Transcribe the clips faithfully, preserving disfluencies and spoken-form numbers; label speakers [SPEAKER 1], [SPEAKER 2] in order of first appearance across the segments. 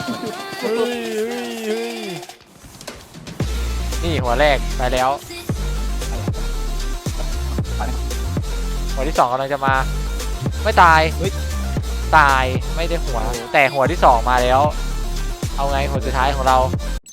[SPEAKER 1] เฮ้ยเฮ้ยเฮ้ยนี่หัวแรกไปแล้วหัวที่สองกำลังจะมาไม่ตายตายไม่ได้หัวแต่หัวที่สองมาแล้วเอาไงหัวสุดท้ายของเรา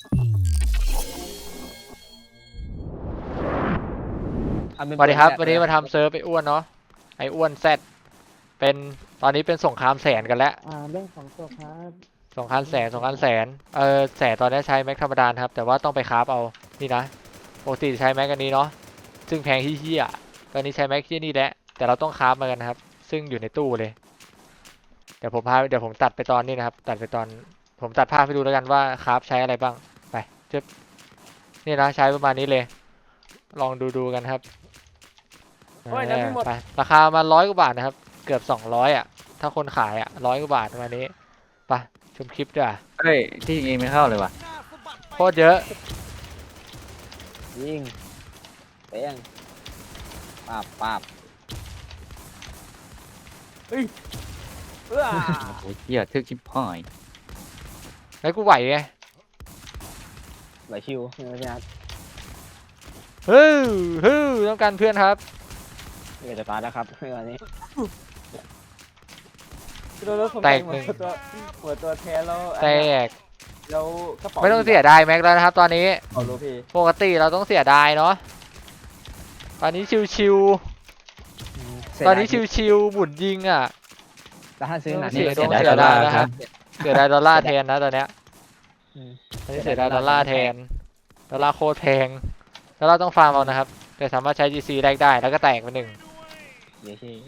[SPEAKER 1] สวัสดีครับวันนี้มาทำเซิร์ฟไปอ้วนเนาะไออ้วนแซดเป็นตอนนี้เป็นสงครามแสนกันแล้ว
[SPEAKER 2] อ่าเรื่องของตัวครับ
[SPEAKER 1] สงครามแสนสงครามแสนเออแสนตอนนี้ใช้แม็กธรรมดาครับแต่ว่าต้องไปคราฟเอานี่นะปกติใช้แม็กอันนี้เนาะซึ่งแพงที่เหี้ยตอนนี้ใช้แม็กที่นี่แหละแต่เราต้องคราฟมากันนะครับซึ่งอยู่ในตู้เลยเดี๋ยวผมพาเดี๋ยวผมตัดไปตอนนี้นะครับตัดไปตอนผมตัดภาพให้ดูแล้วกันว่าคราฟใช้อะไรบ้างไปจึ๊บนี่นะใช้ประมาณนี้เลยลองดูดูกันครับไปราคามาร้อยกว่าบาทนะครับเกือบสองร้อยอ่ะถ้าคนขายอ่ะร้อยกว่าบาทประมาณนี้ไปชมคลิปด้วย
[SPEAKER 3] เฮ้ยที่ยิงไม่เข้าเลยว่ะ
[SPEAKER 1] โคตรเยอะ
[SPEAKER 2] ยิงเปี้ยงปาบปาบเฮ้ยเออ
[SPEAKER 3] โอ้ยเหี้ยทึกชิบหาย
[SPEAKER 1] แล้วกูไหวไง
[SPEAKER 2] ไหวชิวไม่ใช่ครับ
[SPEAKER 1] ฮึ่มฮึ่มต้องการเพื่อนครับ
[SPEAKER 2] เดี๋ยวจะตายแล้วครับเมื่อวานนี้
[SPEAKER 1] แตกหนึ่ง
[SPEAKER 2] หัวตัวแท้แล้ว
[SPEAKER 1] แตก
[SPEAKER 2] แล้วกระเป๋า
[SPEAKER 1] ไม่ต้องเสียดายแม็กแล้วนะครับตอนนี้
[SPEAKER 2] เอาโลพี
[SPEAKER 1] ปกติเราต้องเสียดายเนาะตอนนี้ชิวๆตอนนี้ชิวๆบุญยิงอ่ะ
[SPEAKER 2] แต่ถ้าซื้อหนัก
[SPEAKER 1] เสียดายดอลลาร์นะครับเสียดายดอลลาร์แทนนะตอนเนี้ยตอนนี้เสียดายดอลลาร์แทนดอลลาร์โคตรแพงแล้วเราต้องฟาร์มเอานะครับแต่สามารถใช้ จี ซี แลกได้แล้วก็แตกไปหนึ่ง
[SPEAKER 2] เดี๋ยวชี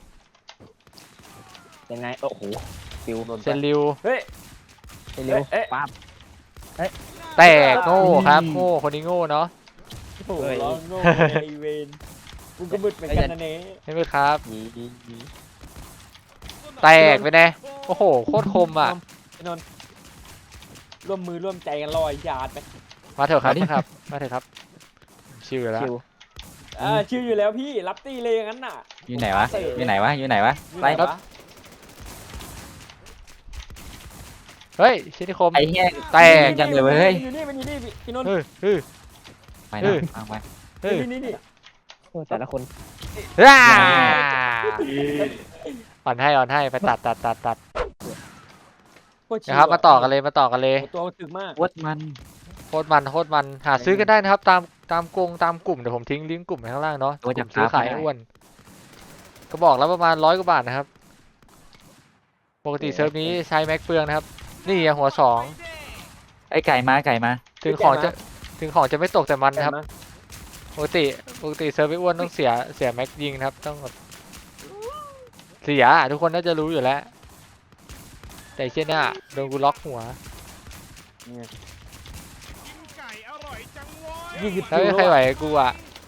[SPEAKER 2] ยังไงโอ้โหฟิว
[SPEAKER 1] เซนริว
[SPEAKER 2] เฮ้ยเซนริวปั๊บ
[SPEAKER 1] แตกโง่ครับโง่คนนี้โง่เนาะ
[SPEAKER 2] โอ้ยโง่ไอเวนกูก็มึดเหมือนกันนะเน่
[SPEAKER 1] ไม่มึดครับแตกไปแน่โอ้โหโคตรคมอ่ะ
[SPEAKER 2] นนร่วมมือร่วมใจกันลอยยาดไป
[SPEAKER 1] มาเถอะครับครับมาเถอะครับชิวอยู่แล้ว
[SPEAKER 2] อ่าชิวอยู่แล้วพี่รับตีเลยงั้นน่ะ
[SPEAKER 3] อยู่ไหนวะอยู่ไหนวะอยู่ไหนวะ
[SPEAKER 2] ไปครับ
[SPEAKER 1] เฮ้ยชินิคม
[SPEAKER 3] ไอ้เหี้ย
[SPEAKER 1] แตก
[SPEAKER 3] จังเลยเฮ้ย
[SPEAKER 2] อยู่นี่มันอยู่นี่พี่นนท์
[SPEAKER 1] เฮ้ยเฮ้ย
[SPEAKER 3] ไปนะเอาไป
[SPEAKER 1] เฮ้ย
[SPEAKER 2] นี่นี่แต่ละคน
[SPEAKER 1] อ่าอ่อนให้อ่อนให้ไปตัดตัดตัดตัดนะครับมาต่อกันเลยมาต่อกันเลย
[SPEAKER 2] ตัวถึกมาก
[SPEAKER 3] โคตรมัน
[SPEAKER 1] โคตรมันโคตรมันหาซื้อกันได้นะครับตามตามกงตามกลุ่มเดี๋ยวผมทิ้งลิงก์กลุ่มไว้ข้างล่างเนาะกลุ่มซื้อขายอ้วนก็บอกแล้วประมาณร้อยกว่าบาทนะครับปกติเซิร์ฟนี้ใช้แม็กเฟืองนะครับนี่หัวสอง
[SPEAKER 3] ไอ้ไก่มาไก่มา
[SPEAKER 1] ถึงของจะถึงของจะไม่ตกแต่มันนะครับปกติปกติเซิร์ฟไอ้อ้วนต้องเสียเสียแม็กยิงนะครับต้องเสียทุกคนน่าจะรู้อยู่แล้วแต่เช่นนี้โดนกูล็อกหัวแล้วไม่ใครไหวกูอ่ะ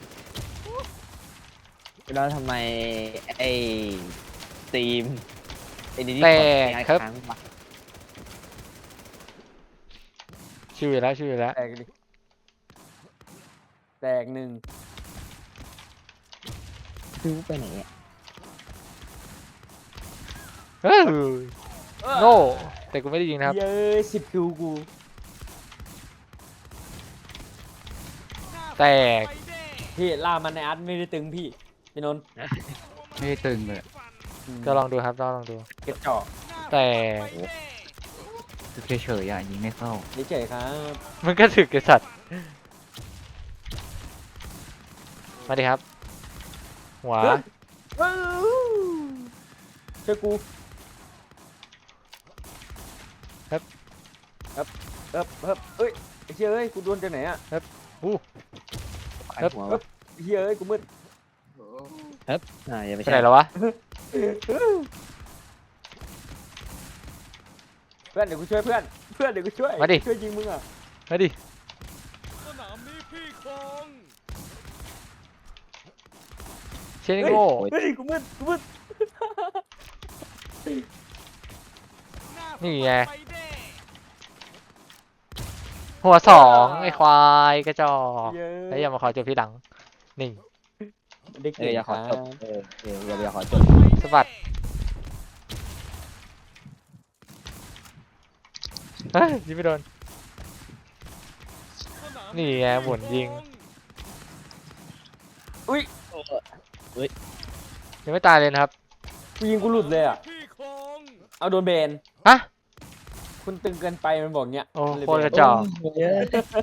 [SPEAKER 2] แล้วทำไมไอ้ทีมไอ้นี่
[SPEAKER 1] แต่ครับชิวอยู่แล้วชิวอยู่แล้ว
[SPEAKER 2] แตกดิแตกหนึ่งคิวไปไหนอ่ะ
[SPEAKER 1] เฮ้ยโง่แต่กูไม่ได้ยิงนะครับ
[SPEAKER 2] เย้สิบคิวกู
[SPEAKER 1] แตก
[SPEAKER 2] พี่ล่ามันในอาร์ตไม่ได้ตึงพี่พี่นนท์
[SPEAKER 3] ไม่ได้ตึงเลย
[SPEAKER 1] ก็ลองดูครับลองดู
[SPEAKER 2] เก็บเจาะ
[SPEAKER 1] แตก
[SPEAKER 3] เฉยๆอ่ะยิงไม่เข้า
[SPEAKER 2] เฉยครับ
[SPEAKER 1] มันก็ถึกไอ้สัตว์มาดิครับหัว
[SPEAKER 2] เจอกู
[SPEAKER 1] ครับ
[SPEAKER 2] ครับครับครับเอ้ยไอ้เชี่ยเอ้ยกูโดนจากไหนอ่ะ
[SPEAKER 1] ครับอู้
[SPEAKER 2] ครับไอ้เชี่ยเอ้ยกูมืดครับอ่าอย่าไป
[SPEAKER 1] ใช่แล้ววะ
[SPEAKER 2] เพื่อนเดี๋ยวกูช่วยเพื่อนเพื่อนเดี๋ยวกูช่วย
[SPEAKER 1] มาดิ
[SPEAKER 2] ช่วยยิงมึงอ่ะ
[SPEAKER 1] มาดิเชนโง่
[SPEAKER 2] เฮ้ยกูมืดกูมืด
[SPEAKER 1] นี่ไงหัวสองไอ้ควายกระจอกแล้วอย่ามาขอจบที่หลังนี่
[SPEAKER 2] เด็กอย่าขอจบเออเอออย่าขอจบ
[SPEAKER 1] สะบัดเฮ้ยยิงไม่โดนนี่ไงหมุนยิง
[SPEAKER 2] อุ้ย
[SPEAKER 1] ยังไม่ตายเลยนะครับ
[SPEAKER 2] กูยิงกูหลุดเลยอ่ะเอาโดนเบน
[SPEAKER 1] ฮะ
[SPEAKER 2] คุณตึงเกินไปมันบอกเนี้ย
[SPEAKER 1] โอ้
[SPEAKER 2] มันเลย
[SPEAKER 1] โคตรกระ
[SPEAKER 2] เบน
[SPEAKER 1] จอก
[SPEAKER 3] เยอะ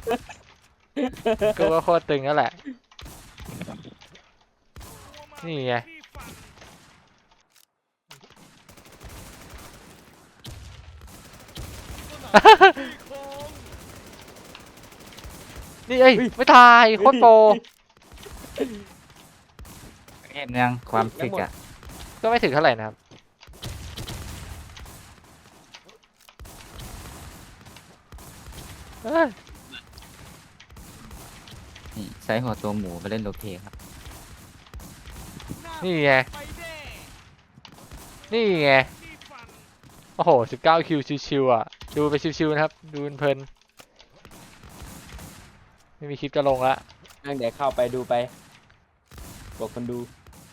[SPEAKER 1] ก็ว่าโคตรตึงนั่นแหละนี่ไงนี่เอ้ยไม่ตายโคตรโปร
[SPEAKER 3] เห็นยังความฟิกอะ
[SPEAKER 1] ก็ไม่ถึงเท่าไหร่นะครับเอ้ย
[SPEAKER 3] นี่ใช้หัวตัวหมูไปเล่นโลเพครับ
[SPEAKER 1] นี่ไงนี่ไงโอ้โหสิบเก้าคิวชิวๆอ่ะดูไปชิวๆนะครับดูเพลินๆไม่มีคลิปจะลงละ
[SPEAKER 2] นั่งเดี๋ยวเข้าไปดูไปบอกคนดู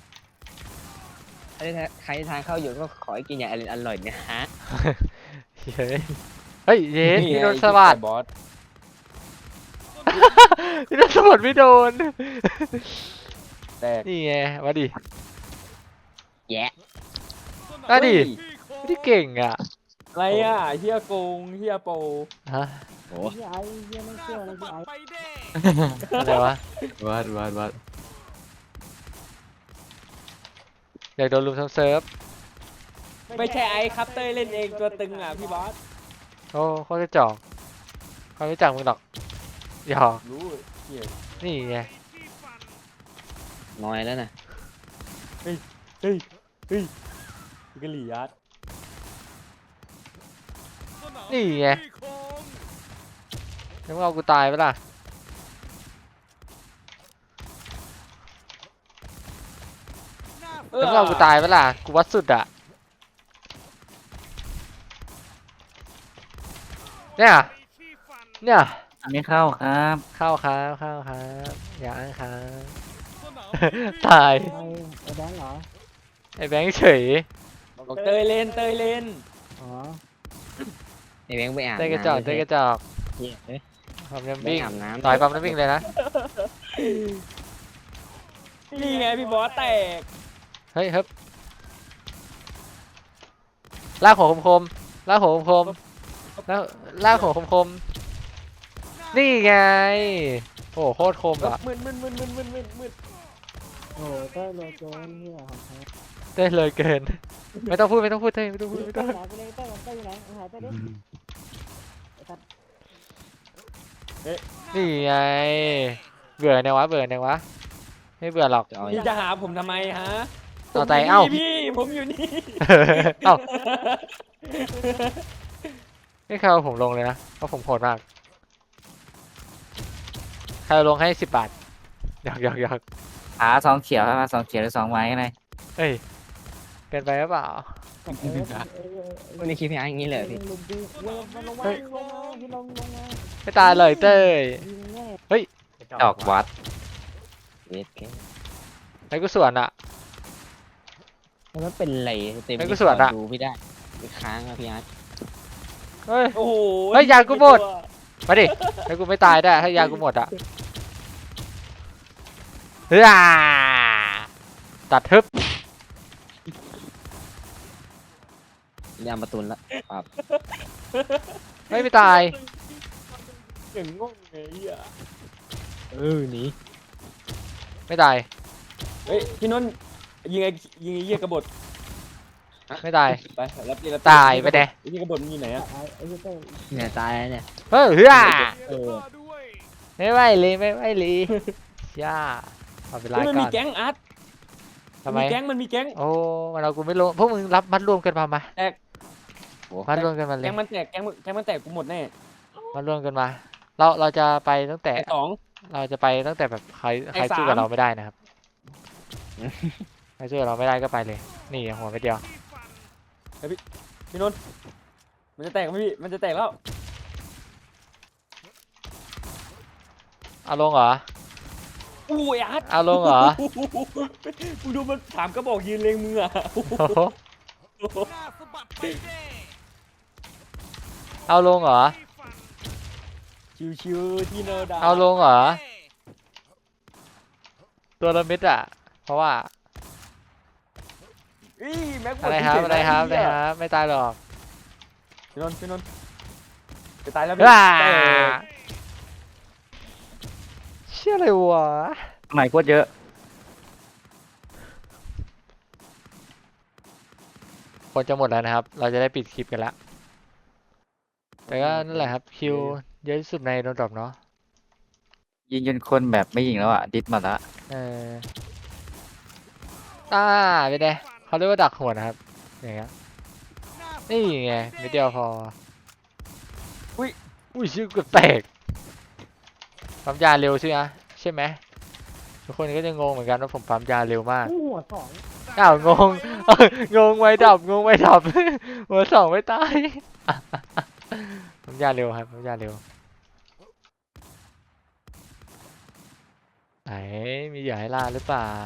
[SPEAKER 4] ใครใครทางเข้าอยู่ก็ขอให้กินอย่างอร่อยนะฮะ
[SPEAKER 1] เฮ้ยเฮ้ยเยส
[SPEAKER 2] นี่
[SPEAKER 1] พี่
[SPEAKER 2] ไง
[SPEAKER 1] โดนสวัสด
[SPEAKER 2] บอส
[SPEAKER 1] พี่โดนสวัสดไม่โดน
[SPEAKER 2] แตก
[SPEAKER 1] นี่ไงมาดิ
[SPEAKER 4] แยะ
[SPEAKER 1] มาดิ
[SPEAKER 2] เฮ้ย
[SPEAKER 1] ไม่ได้เก่งอ่ะ
[SPEAKER 2] อะไรอ่ะเฮียโกงเฮียโป
[SPEAKER 1] ฮะ
[SPEAKER 4] โอ้
[SPEAKER 5] พี่ไอ้เหี้ยังไม่เชื่อเลยพี่ไอ้
[SPEAKER 1] อะไรวะ
[SPEAKER 3] วัดวัดวัด
[SPEAKER 1] อยากโดนลุมทั้งเซิร์ฟ
[SPEAKER 2] ไม่ใช่ไอ้ครับเต้ยเล่นเองตัวตึงอ่ะพี่บอส
[SPEAKER 1] โอ้โคตรกระจอกเขาไม่รู้จักมึงหรอกหยอก
[SPEAKER 2] รู้เฮีย
[SPEAKER 1] นี่ไง
[SPEAKER 4] น้อยแล้วนะ
[SPEAKER 2] เฮ้ยเฮ้ยพี่กะหรี่ยัด
[SPEAKER 1] นี่ไงแล้วมึงเอากูตายไปะล่ะแล้วมึงเอากูตายไปะล่ะกูวัดสุดอ่ะเนี่ยเนี่ย
[SPEAKER 3] ไม่เข้าครับ
[SPEAKER 1] เข้าครับเข้าครับอย่าอ้างครับตาย
[SPEAKER 5] ไอ้ไอ้แบงค์เหรอ
[SPEAKER 1] ไอ้แบงค์เฉย
[SPEAKER 2] บอกเต้ยเล่นเต้ยเล่น
[SPEAKER 5] อ๋อ
[SPEAKER 4] ไอ้แบงค์ไปอาบ
[SPEAKER 1] เต้นกระจอกเต้นกระจอก
[SPEAKER 4] เหี้ยเอ้ย
[SPEAKER 1] ปั๊มน้ำ
[SPEAKER 4] แบง
[SPEAKER 1] วิ่ง
[SPEAKER 4] ค์อาบน้ำ
[SPEAKER 1] ต่อยปั๊มน้ำวิ่งเลยนะ
[SPEAKER 2] นี่ไงพี่บอสแตก
[SPEAKER 1] เฮ้ยเฮ้ยลากหัวคมๆลากหัวคมๆแล้วลากหัวคมๆนี่ไงโอ้โหโคตรคมอ่ะ
[SPEAKER 2] มึนมึนมึนมึนมึนมึนมึน
[SPEAKER 5] โอ้เต้ยเลยเกินเหี้ยของแท้
[SPEAKER 1] เต้นเลยเกิน ไม่ต้องพูดไม่ต้องพูดเต้ยไม่ต้องพูดไม่
[SPEAKER 5] เต้
[SPEAKER 1] ต้
[SPEAKER 5] ย
[SPEAKER 1] อง
[SPEAKER 5] ไหนไปเลยเต้ยเต้ยอยู่ไหนเอาหายเต้ยดิไอ้สัตว์
[SPEAKER 1] นี่ไงเบื่อเนี่ยวะเบื่อเนี่ยวะไม่เบื่อหรอก
[SPEAKER 4] จะเอา
[SPEAKER 2] พี่จะหาผมทำไมฮะ
[SPEAKER 1] เอาใจเอ้า
[SPEAKER 2] ผมยู่นี่พี่ผมอยู่นี่
[SPEAKER 1] เอ้าไม่เคยเอาผมลงเลยนะเพราะผมโหดมากใครเอาลงให้สิบบาทหยอกหยอกหยอก
[SPEAKER 3] ขาสองเขียวครับสองเขียวหรือสองไม้อะไร
[SPEAKER 1] เฮ้ยเกินไปหรือเปล่า
[SPEAKER 5] เออเออเออ
[SPEAKER 4] วันนี้คลิปพี่ไอ้อย่างนี้เลยพี่
[SPEAKER 5] ลุมดีเว้ยมันลงมาลงมาพี่ลงลงมา
[SPEAKER 1] ไม่ตายเลยเต้ย
[SPEAKER 5] ยิงแน่
[SPEAKER 3] ดอกวัด
[SPEAKER 4] เวทแค่
[SPEAKER 1] ไอ้กูส่วนอ่ะ
[SPEAKER 4] แล้วมันเป็นไรเต็ม
[SPEAKER 1] ไอ้กูสวนอะ
[SPEAKER 4] ดูไม่ได้ไปค้างอะพี่อาร์ต
[SPEAKER 1] เฮ้ย
[SPEAKER 2] โอ้โห
[SPEAKER 1] เฮ้ยยากูหมด มาดิไอ้กูไม่ตายได้ถ้ายากูหมดอ่ะเฮ้ยตัดทึบ
[SPEAKER 4] ยามประตูนละครับ
[SPEAKER 1] ไม่ไม่ตาย
[SPEAKER 2] อย่างงงไงเฮีย
[SPEAKER 4] เออหนี
[SPEAKER 1] ไม่ตาย
[SPEAKER 2] เฮ้ยพี่นนท์ยิงไอ้ยิงไอ้เหี้ยกบฏ
[SPEAKER 1] ไม่ตาย
[SPEAKER 2] ไปรับตีรับ
[SPEAKER 1] ตายไปแน่
[SPEAKER 2] ไอ้เหี้ยกบฏมันอยู่ไหนอะ
[SPEAKER 5] ไอ้ไอ้เต้ย
[SPEAKER 4] เนี่ยตายแล้วเนี่ย
[SPEAKER 1] เฮ้ยเฮ้ย
[SPEAKER 4] เออ
[SPEAKER 1] ไม่ไหวเลยไม่ไหวเลยย่าเอาเวลา
[SPEAKER 2] เฮ้ยมัน
[SPEAKER 1] ก่
[SPEAKER 2] มี
[SPEAKER 1] อน
[SPEAKER 2] แก๊งอาร์ต
[SPEAKER 1] ทำไม
[SPEAKER 2] มีแก๊งมันมีแก๊ง
[SPEAKER 1] โอ้มันเอากูไม่ลงพวกมึงรับมัดรวมกันมามา
[SPEAKER 4] โอ้
[SPEAKER 1] มัดรวมกันมาเลย
[SPEAKER 2] แก๊งมันแตกแก๊งมันแก๊งมันแตกกูหมดแน่
[SPEAKER 1] มัดรวมกันมา เราเราจะไปตั้งแต่
[SPEAKER 2] ไอ้สอง
[SPEAKER 1] เราจะไปตั้งแต่แบบใคร
[SPEAKER 2] ไอ้
[SPEAKER 1] ใครสู้กับ
[SPEAKER 2] สาม
[SPEAKER 1] เราไม่ได้นะครับ ใครสู้กับเราไม่ได้ก็ไปเลย นี่หัวไปเดียว
[SPEAKER 2] พี่นนท์มันจะแตกไหมพี่มันจะแตกแล้ว
[SPEAKER 1] เอาลงเหรอ
[SPEAKER 2] อู้ยอาร์ต
[SPEAKER 1] เอาลงเหรอ
[SPEAKER 2] มึงดูมันถามกระบอกยืนเลงมืออะ
[SPEAKER 1] โอ้โหเอาลงเหรอ
[SPEAKER 2] ชิวๆที่โนดา
[SPEAKER 1] เอาลงเหรอ ตัวละเม็ดอะเพราะว่า
[SPEAKER 2] อีแม็กหมด
[SPEAKER 1] อะไรครับ
[SPEAKER 2] เฉยๆ
[SPEAKER 1] อะไรครับ
[SPEAKER 2] น
[SPEAKER 1] อะไรครับ ไม่ตายหรอก
[SPEAKER 2] พี่นนท์พี่นนท์จะตายแล้ว
[SPEAKER 1] ว้า
[SPEAKER 2] แต่
[SPEAKER 1] เชื่ออะไรวะ
[SPEAKER 3] ใหม่โคตรเยอะ
[SPEAKER 1] คนจะหมดแล้วนะครับ เราจะได้ปิดคลิปกันแล้ว แต่ก็นั่นแหละครับ คิวเยอะที่สุดในโดนดรอปเนาะ
[SPEAKER 3] ยิงจนคนแบบไม่ยิงแล้วอ่ะ ดิสมาละ
[SPEAKER 1] เอออ่าเป็นไงเขาเรียกว่าดักหัวนะครับ อย่างเงี้ย นี่ไงไม่เดียวพอ อุ้ย อุ้ยชื่อเกือบแตกปั๊มยาเร็วใช่ไหมใช่ไหมทุกคนก็จะงงเหมือนกันว่าผมปั๊มยาเร็วมาก
[SPEAKER 5] หัวสอง
[SPEAKER 1] อ้าวงง เอ้ยงงไว้ดับงงไว้ดับ หัวสองไม่ตาย ปั๊มยาเร็วครับปั๊มยาเร็วไหนมีเหยื่อให้ล่าหรือเปล่า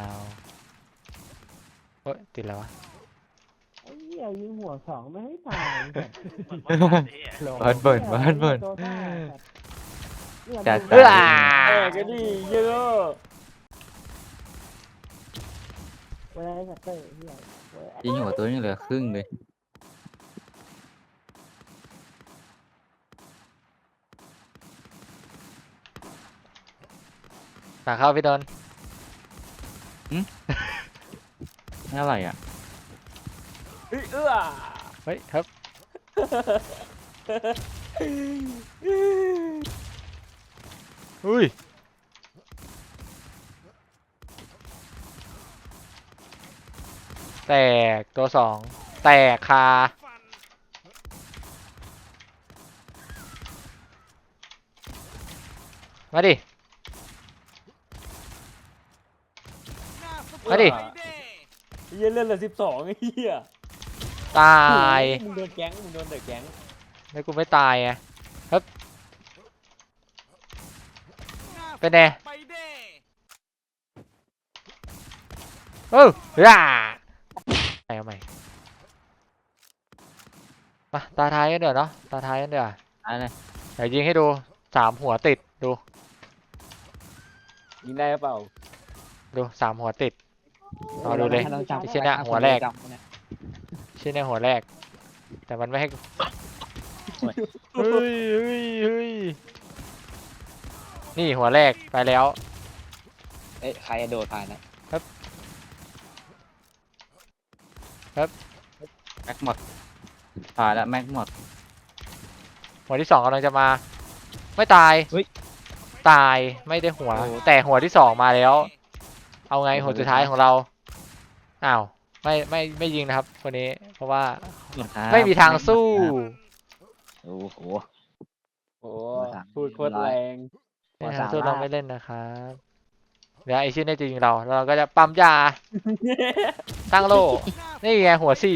[SPEAKER 1] เฮ้ยติดแล้ววะ
[SPEAKER 5] ไอ้เหี้ยยิงหัวสองไม่ให้ตาย
[SPEAKER 3] บ้านเบิร์นบ้านเบิร์น
[SPEAKER 5] ตัวบ้าเนี่ย
[SPEAKER 3] จัด
[SPEAKER 5] มึง
[SPEAKER 1] เอ้อ
[SPEAKER 2] เออก็ดีเยอะ
[SPEAKER 5] เวลาได้ชัตเตอร์เหี้ยเว้ย
[SPEAKER 3] ยิงหัวตัวนี้เหลือครึ่งเลย
[SPEAKER 1] หนักเข้าพี่โดน
[SPEAKER 3] ไม่เท่าไหร่อ่ะ
[SPEAKER 2] เฮ้ยเอื้อ
[SPEAKER 1] เฮ้ยครับอุ้ยแตกตัวสองแตกคามาดิ มาดิ
[SPEAKER 2] เหี้ยเลื่อนเหลือสิบสองไอ้เหี้ย
[SPEAKER 1] ตาย
[SPEAKER 2] มึงโดนแก๊งมึงโดนเดอะแก๊ง
[SPEAKER 1] แล้วกูไม่ตายไงครับ เป็นไงโอ้ย่าไปเอาใหม่มาตาท้ายกันเดี๋ยวเนาะตาท้ายกันเดี๋ยว
[SPEAKER 3] อะไร
[SPEAKER 1] เดี๋ยวยิงให้ดูสามหัวติดดู
[SPEAKER 2] ยิงได้หรือเปล่า
[SPEAKER 1] ดูสามหัวติด เอาดูเลย
[SPEAKER 4] ให้ราจับ
[SPEAKER 1] ไอ้เชี่ยเนี่ยหัวแรก
[SPEAKER 4] จับเนี่ย
[SPEAKER 1] ชื่อในหัวแรก แต่มันไม่ให้กูเฮ้ยเฮ้ยเฮ้ยนี่หัวแรกไปแล้ว
[SPEAKER 4] เอ้ยใครโดดผ่านนะ
[SPEAKER 3] แม็กหมดผ่านแล้วแม็กหมด
[SPEAKER 1] หัวที่สองกำลังจะมา ไม่ตายตายไม่ได้หัว แต่หัวที่สองมาแล้ว เอาไงหัวสุดท้ายของเราอ้าวไม่ไม่ไม่ยิงนะครับคนนี้ เพราะว่า
[SPEAKER 3] ครับ
[SPEAKER 1] ไม่มีทางสู้
[SPEAKER 4] โอ้โห
[SPEAKER 2] โอ้
[SPEAKER 4] สาม
[SPEAKER 2] พูดโคตรแรง
[SPEAKER 1] ไม่มีทางสู้เราไม่เล่นนะครับเดี๋ยวไอชื่อเนี่ยจะยิงเราแล้วเราก็จะปั๊มยาตั้งโล่นี่ไงหัวสี่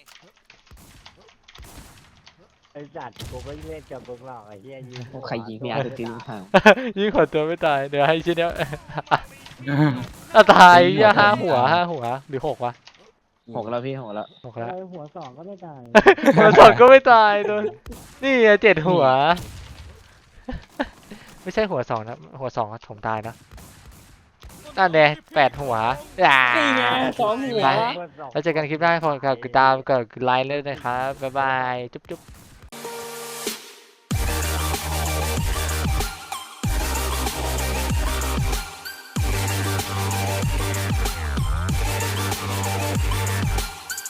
[SPEAKER 5] ไอ้จัดกูก็เล่นกับพวกเราไอ้เหี้ยยิงหัว
[SPEAKER 4] ใครยิงพี่อาร์ตตีลูกห่าง
[SPEAKER 1] ยิงหัวตัวไม่ตายเดี๋ยวให้ชื่อเนี้ย อ่ะตายย่าห้าหัวห้าหัวหรือหกวะ
[SPEAKER 4] หกแล้วพี่หกแล้ว
[SPEAKER 1] หกแล้ว
[SPEAKER 5] ไอ้หัวสองก็ไม่ตาย
[SPEAKER 1] หัวสองก็ไม่ตายโดนนี่ไงเจ็ดหัว ไม่ใช่หัวสองนะหัวสองอะผมตายนะนั่นแน่แปดหัวอ่า
[SPEAKER 2] นี่ไงสองหัว
[SPEAKER 1] ไปแล้วเจอกันคลิปหน้าขอฝากกดติดตามกดไลค์เลยนะครับบ๊ายบายจุ๊บจุ๊บ